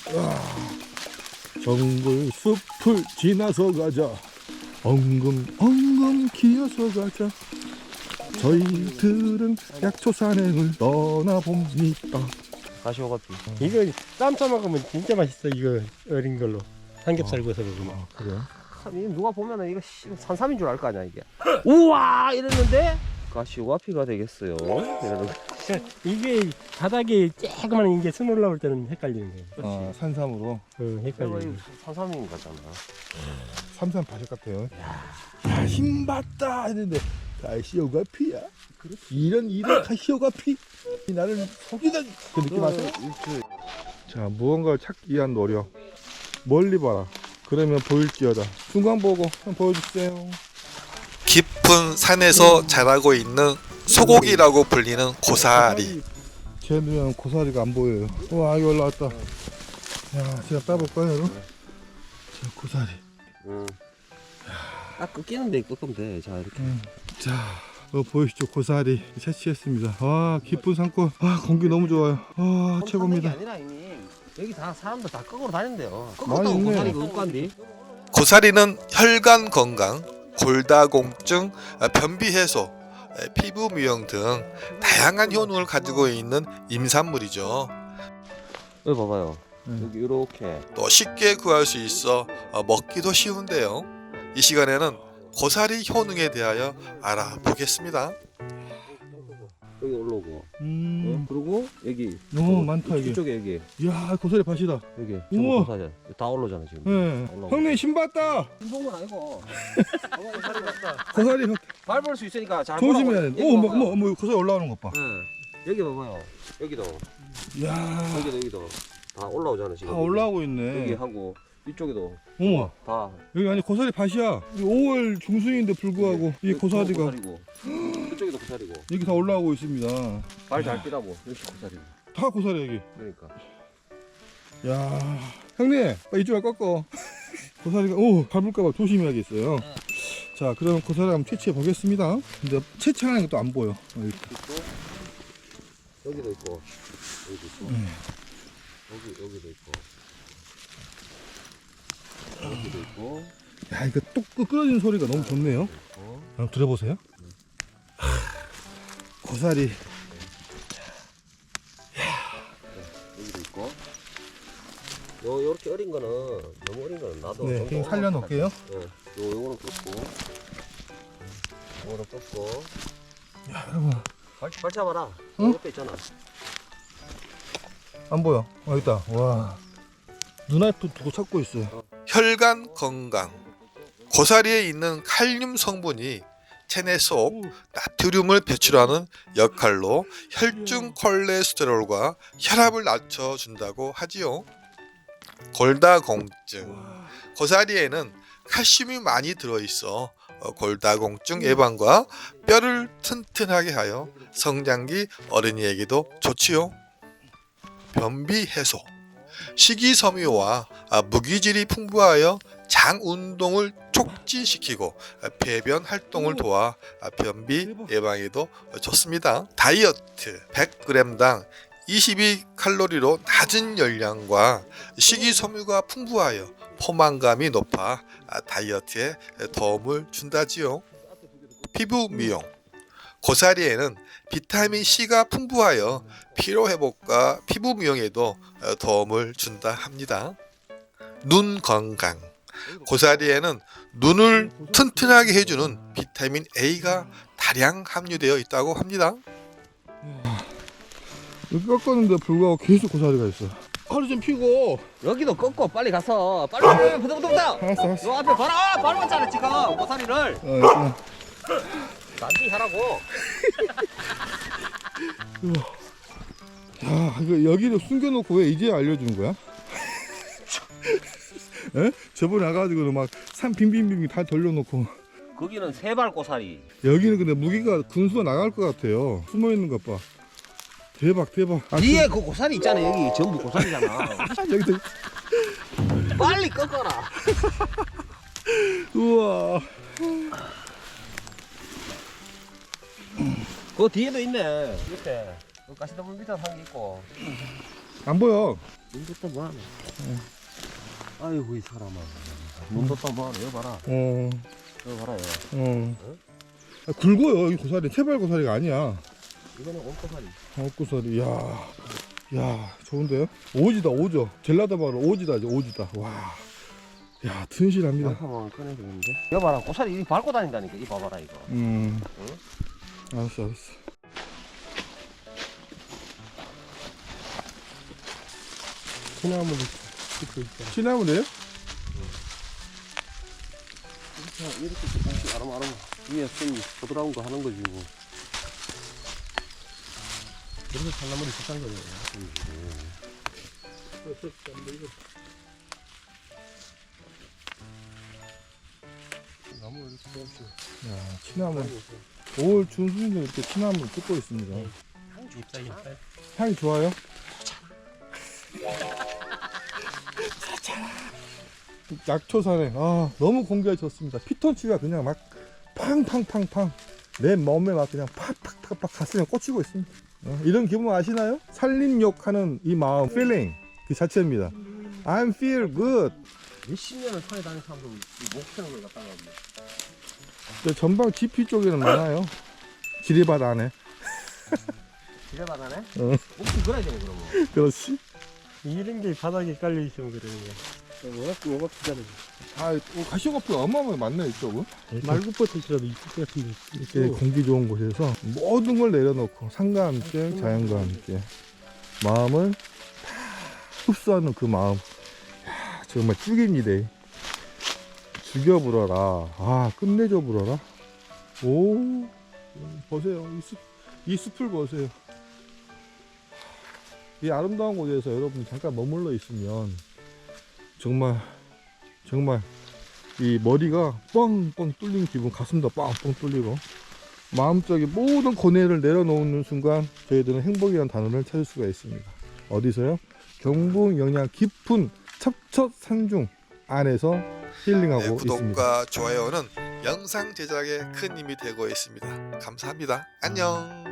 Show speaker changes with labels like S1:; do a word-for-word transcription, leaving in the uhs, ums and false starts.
S1: 정글 숲을 지나서 가자. 엉금 엉금 기어서 가자. 저희들은 약초 산행을 떠나봅니다.
S2: 가시오가피. 이거 쌈싸 먹으면 진짜 맛있어. 이거 어린 걸로 삼겹살
S1: 어.
S2: 구워서 먹으면.
S1: 아, 그래요?
S2: 이거 누가 보면은 이거 씨, 산삼인 줄 알 거 아니야 이게. 우와 이랬는데 가시오가피가 되겠어요. 이러는 거. 이게 바닥에 조그만 이게 순 올라올 때는 헷갈리는 거예요.
S1: 아, 산삼으로.
S2: 응, 헷갈리는 거.
S3: 산삼인 거잖아.
S1: 삼삼 바식 같아요. 야, 힘받다 했는데 가시오가피야. 이런 이런 가시오가피. 나를 속이던 그 느낌 아세요? 자, 무언가를 찾기 위한 노력. 멀리 봐라. 그러면 보일지어다. 중간 보고 한번 보여주세요.
S4: 깊은 산에서 자라고 있는 소고기라고 불리는 고사리.
S1: 쟤는 고사리가 안 보여요. 와, 여기 올라왔다. 야, 제가 따볼까요, 여러분? 자, 고사리.
S3: 응. 딱 꺾이는데 꺾으면 돼. 자 이렇게.
S1: 음. 자, 어, 보이시죠? 고사리 채취했습니다. 와, 깊은 산골. 아, 공기 너무 좋아요. 아, 최고입니다.
S3: 아니라 형님. 여기 다 사람들 다 꺾으러 다닌대요.
S1: 많이
S3: 꺾었다고
S1: 있네.
S3: 고사리가 없간디.
S4: 고사리는 혈관 건강, 골다공증, 변비 해소, 피부 미용 등 다양한 효능을 가지고 있는 임산물이죠.
S3: 여기 봐봐요.
S1: 음.
S3: 여기 이렇게.
S4: 또 쉽게 구할 수 있어 먹기도 쉬운데요. 이 시간에는 고사리 효능에 대하여 알아보겠습니다.
S3: 여기 올라오고.
S1: 음,
S3: 그리고 여기.
S1: 너무 많다, 이게.
S3: 이쪽에 여기.
S1: 이야, 고사리 밭이다.
S3: 여기.
S1: 우와.
S3: 고사리. 다 올라오잖아 지금.
S1: 네.
S3: 올라오고.
S1: 형님, 신봤다.
S3: 신봉은 아니고. 고사리 봤다.
S1: 고사리
S3: 밟을 수 있으니까 잘
S1: 조심해야 돼.
S3: 보라고.
S1: 오,
S3: 여기
S1: 뭐,
S3: 봐봐요.
S1: 뭐, 뭐, 고사리 올라오는 것 봐.
S3: 응. 여기 봐봐요. 여기도.
S1: 이야,
S3: 여기도 여기도. 다 올라오잖아 지금.
S1: 다 올라오고
S3: 여기
S1: 있네.
S3: 하고 이쪽에도.
S1: 어머,
S3: 다.
S1: 여기 아니 고사리 밭이야. 오월 중순인데 불구하고 이 고사리가
S3: 고사리고. 이쪽에도 고사리고.
S1: 여기 다 올라오고 있습니다.
S3: 발 잘 뛰라고. 여기 고사리고.
S1: 다 고사리 여기.
S3: 그러니까.
S1: 야, 형님, 빨리 이쪽에 꺾어. 고사리가 오 밟을까봐 조심해야겠어요. 자, 그럼 고사리 한번 채취해 보겠습니다. 근데 채취하는 것도 안 보여. 어, 이렇게.
S3: 있고 여기도 있고 여기도 있고
S1: 음.
S3: 여기 여기도 있고 여기도 있고
S1: 야, 이거 뚝 끊어지는 소리가 너무 좋네요.
S3: 있고
S1: 한번 들어보세요. 하, 고사리.
S3: 여기도 있고 요 요렇게 어린 거는 너무 어린 거는 나도
S1: 네,
S3: 정도
S1: 그냥 살려놓을게요.
S3: 예, 요 요거는 꺾고 요거는 꺾고
S1: 야, 여러분,
S3: 발, 발 잡아라.
S1: 응?
S3: 옆에 있잖아.
S1: 안 보여. 어, 있다. 와, 눈앞에 두고 찾고 있어요.
S4: 혈관 건강. 고사리에 있는 칼륨 성분이 체내 속 나트륨을 배출하는 역할로 혈중 콜레스테롤과 혈압을 낮춰준다고 하지요. 골다공증. 고사리에는 칼슘이 많이 들어있어 골다공증 예방과 뼈를 튼튼하게 하여 성장기 어린이에게도 좋지요. 변비 해소. 식이섬유와 무기질이 풍부하여 장 운동을 촉진시키고 배변 활동을 도와 변비 예방에도 좋습니다. 다이어트 백 그램당 이십이 칼로리로 낮은 열량과 식이섬유가 풍부하여 포만감이 높아 다이어트에 도움을 준다지요. 피부 미용. 고사리에는 비타민 C가 풍부하여 피로 회복과 피부 미용에도 도움을 준다 합니다. 눈 건강. 고사리에는 눈을 튼튼하게 해주는 비타민 A가 다량 함유되어 있다고 합니다.
S1: 여기 꺾었는데 불구하고 계속 고사리가 있어. 허리 좀 펴고.
S3: 여기도 꺾고 빨리 가서 빨리 빨리 부들부들부들.
S1: 알았어, 알았어.
S3: 요 앞에 봐라. 아, 밟았잖아 지금 고사리를.
S1: 어, 있구나.
S3: 난디 하라고.
S1: 야, 이거 여기를 숨겨놓고 왜 이제 알려주는 거야? 에? 저번에 와가지고 막 산 빙빙빙 다 돌려놓고.
S3: 거기는 세발 고사리.
S1: 여기는 근데 무기가 군수가 나갈 것 같아요. 숨어있는 것 봐. 대박, 대박. 아,
S3: 뒤에 그 고사리 있잖아. 여기 전부 고사리잖아.
S1: 여기도.
S3: 빨리 꺾어라.
S1: 우와.
S3: 그 뒤에도 있네. 밑에. 그 가시덤불 밑에 한 게 있고.
S1: 안 보여.
S3: 눈 떴다 뭐하노? 아이고 이 사람아. 눈 떴다 뭐하노? 여기 봐라.
S1: 어,
S3: 여기 봐라. 여기.
S1: 어. 아, 굵어요. 이 고사리. 세발 고사리가 아니야.
S3: 이거는 옥고사리.
S1: 어, 고사리. 야, 야, 좋은데요? 오지다, 오죠. 젤라다 바로 오지다, 이제 오지다. 와, 야, 튼실합니다.
S3: 한번 꺼내야 되는데. 여기 봐라. 고사리 이렇게 밟고 다닌다니까. 이 봐봐라 이거.
S1: 음,
S3: 응?
S1: 알았어, 알았어.
S2: 소나무를 찍고 있다.
S1: 시나무래요?
S3: 이렇게 이렇게 조금씩 아름아름 위에 선 부드러운 거 하는 거지 뭐.
S2: 그래서 산나물이 비싼 거예요. 나무 이렇게 조금씩.
S1: 야, 치나무. 올 중순인데 이렇게 치나무를 뜯고 있습니다.
S2: 잎사귀
S1: 향이 좋아요? 약초산에 아 너무 공기가 좋습니다. 피톤치가 그냥 막 팡팡팡팡 내 몸에 막 그냥 팍팍팍팍 가슴에 꽂히고 있습니다. 어, 이런 기분 아시나요? 산림욕하는 이 마음, feeling 그 자체입니다. I'm feel good.
S3: 몇십 년을 산에 다니는 사람도 목 펴는 걸 갖다가 뭐.
S1: 저 전방 지피 쪽에는 많아요. 지리밭 안에.
S3: 집에 바다네?
S1: 응.
S3: 목좀 그래야 되네 그러면.
S1: 그렇지.
S2: 이런 게 바닥에 깔려 있으면 그러는 거야. 워낙 워낙 비싸네.
S1: 아, 가시오가피가 어마어마하게 많네 이쪽은.
S2: 말굽버섯이라도 있을 것 같은데.
S1: 이렇게 공기 좋은 곳에서 모든 걸 내려놓고 산과 함께 자연과 함께 마음을 다 흡수하는 그 마음. 야, 정말 죽입니다. 죽여 불어라. 아, 끝내줘 불어라. 오, 보세요. 이 숲, 이 숲을 보세요. 이 아름다운 곳에서 여러분 잠깐 머물러 있으면 정말 정말 이 머리가 뻥뻥 뚫린 기분, 가슴도 뻥뻥 뚫리고 마음속에 모든 고뇌를 내려놓는 순간 저희들은 행복이라는 단어를 찾을 수가 있습니다. 어디서요? 경북 영양 깊은 첩첩산중 안에서 힐링하고
S4: 네,
S1: 있습니다.
S4: 구독과 좋아요는 영상 제작에 큰 힘이 되고 있습니다. 감사합니다. 안녕.